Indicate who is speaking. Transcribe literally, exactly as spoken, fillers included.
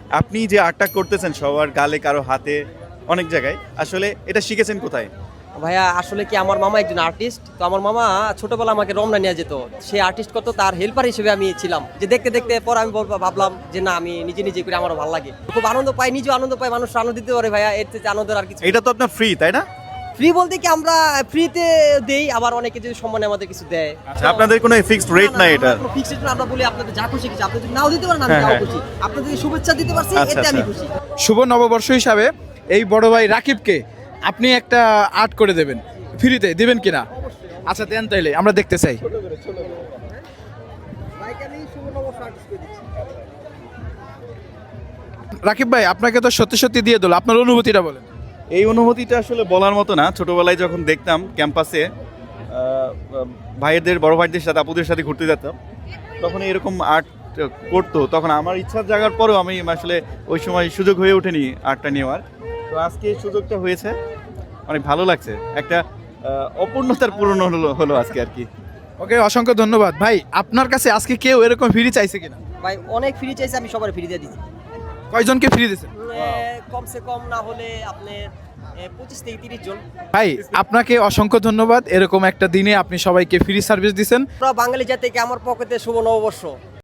Speaker 1: আপনি যে আর্টটা করতেছেন সবার গালে কারো হাতে অনেক জায়গায়, আসলে এটা শিখেছেন কোথায়?
Speaker 2: ভাইয়া আসলে কি আমার মামা একজন আর্টিস্ট, তো আমার মামা ছোটবেলা আমাকে রমনা নিয়ে যেত, সে আর্টিস্ট করতো, তার হেল্পার হিসেবে আমি ছিলাম। যে দেখতে দেখতে পর আমি বলবো- ভাবলাম যে না, আমি নিজে নিজে করে আমারও ভালো লাগে, খুব আনন্দ পাই, নিজেও আনন্দ পাই, মানুষ আনন্দ দিতে পারে ভাইয়া, এর থেকে আনন্দের আর কিছু।
Speaker 1: এটা তো আপনার ফ্রি, তাই না?
Speaker 2: ফ্রি বলতে কি আমরা ফ্রিতে দেই, আবার অনেকে যদি সম্মানে আমাদের কিছু দেয়।
Speaker 1: আচ্ছা, আপনাদের কোনো ফিক্সড রেট নাই এটা?
Speaker 2: ফিক্সড রেট আমরা বলি আপনাদের যা খুশি কিছু, আপনি যদি নাও দিতে পারেন আমি
Speaker 1: হ্যাঁ,
Speaker 2: তাও
Speaker 1: হ্যাঁ।
Speaker 2: খুশি, আপনাদের শুভেচ্ছা দিতে পারছি
Speaker 1: আচ্ছা,
Speaker 2: এতে আমি
Speaker 1: আচ্ছা।
Speaker 2: খুশি।
Speaker 3: শুভ নববর্ষ হিসাবে এই বড় ভাই রাকিবকে আপনি একটা আর্ট করে দেবেন, ফ্রিতে দিবেন কিনা? আচ্ছা দেন, তাইলে আমরা দেখতে চাই। রাকিব ভাই, আপনাকে তো সত্যি সত্যি দিয়ে দিল, আপনার অনুভূতিটা বলেন।
Speaker 1: এই অনুভূতিটা আসলে বলার মতো না। ছোটবেলায় যখন দেখতাম ক্যাম্পাসে ভাইয়েদের, বড় ভাইদের সাথে, আপুদের সাথে ঘুরতে যেতাম, তখন এরকম আর্ট করতো, তখন আমার ইচ্ছা জাগার পরেও আমি আসলে ওই সময় সুযোগ হয়ে ওঠেনি আর্টটা নেওয়ার। তো আজকে এই সুযোগটা হয়েছে, অনেক ভালো লাগছে। একটা আহ, অপূর্ণতার পূরণ হলো হলো আজকে আর কি।
Speaker 3: ওকে, অসংখ্য ধন্যবাদ ভাই। আপনার কাছে আজকে কেউ এরকম ফ্রি চাইছে কিনা?
Speaker 2: ভাই অনেক ফ্রি চাইছে, আমি সবার ফ্রি দিয়ে দিচ্ছি।
Speaker 3: কয়জনকে ফ্রি দিয়েছেন?
Speaker 2: কমসে কম না হলে আপনি পঁচিশ থেকে তিরিশ জন।
Speaker 3: ভাই আপনাকে অসংখ্য ধন্যবাদ, এরকম একটা দিনে আপনি সবাইকে ফ্রি সার্ভিস দিচ্ছেন।
Speaker 2: আমরা বাঙালি জাতিকে আমার পকেটে শুভ নববর্ষ।